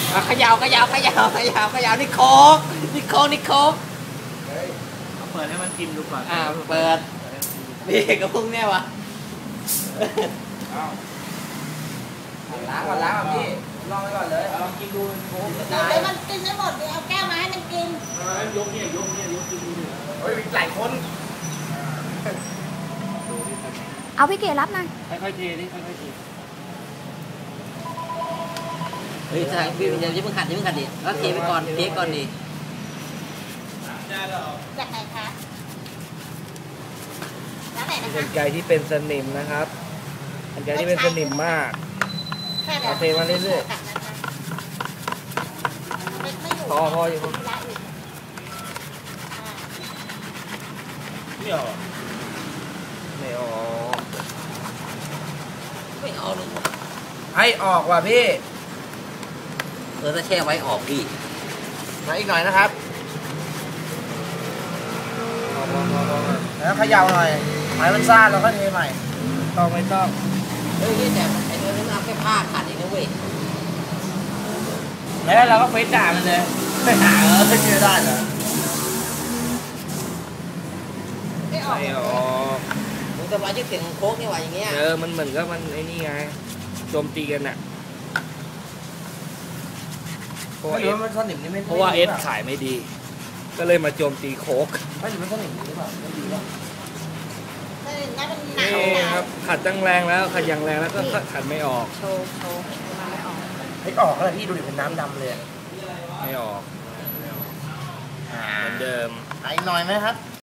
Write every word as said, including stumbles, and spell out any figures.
เขย่าเขย่าเขย่าเขย่าเขย่านี่โคกนี่โคกนี่โคกเปิดให้มันกินดูก่อนอ่าเปิดนี่กระพุ้งเนี่ยวะล้างก่อนล้างก่อนพี่ลองไปก่อนเลยลองกินดูโค้กจะตายมันกินได้หมดเดี๋ยวเอาแก้วมาให้มันกินยกเนี่ยยกเนี่ยยกกินดูดิเฮ้ยหลายคนเอาพี่เก๋รับหน่อยค่อยๆเทนี่ค่อยๆเทเฮ้ยใช่พี่อย่าเพิ่งขัดอย่าเพิ่งขัดดิแล้วเทไปก่อนเทก่อนดิจากไหนคะแล้วไหนนะคะเป็นไก่ที่เป็นสนิมนะครับเป็นไก่ที่เป็นสนิมมากเอาเทมาเรื่อยๆพอพออยู่ไม่ออกไม่ออกไม่ออกเลยให้ออกว่ะพี่เออถ้าแช่ไว้ออกพี่มาอีกหน่อยนะครับแล้วเขย่าหน่อยไม้มันซ่าเราก็เทใหม่ต้องไม่ต้องเฮ้ยแต่ไอ้เนื้อนี่เอาแค่ผ้าขัดเองนะเว้ยแล้วเราก็เฟซด่ามันเลยไม่หาเออเชื่อได้เหรอไม่ออกไม่ออกมึงจะมายึดเสียงโค้กนี่ว่าอย่างเงี้ยเออมันเหมือนกับมันไอ้นี่ไงโจมตีกันน่ะเพราะว่าเอสมันสนิมนี่ไม่เพราะว่าเอสขายไม่ดีก็เลยมาโจมตีโค้กไม่ถึงมันสนิมหรือเปล่าไม่ดีหรอกนี่ครับขัดตั้งแรงแล้วขัดอย่างแรงแล้วก็ขัดไม่ออกโชว์โชว์ไม่ออกไม่ออกเลยพี่ดูดิเป็นน้ำดำเลยไม่ออกเหมือนเดิมอีกหน่อยไหมครับ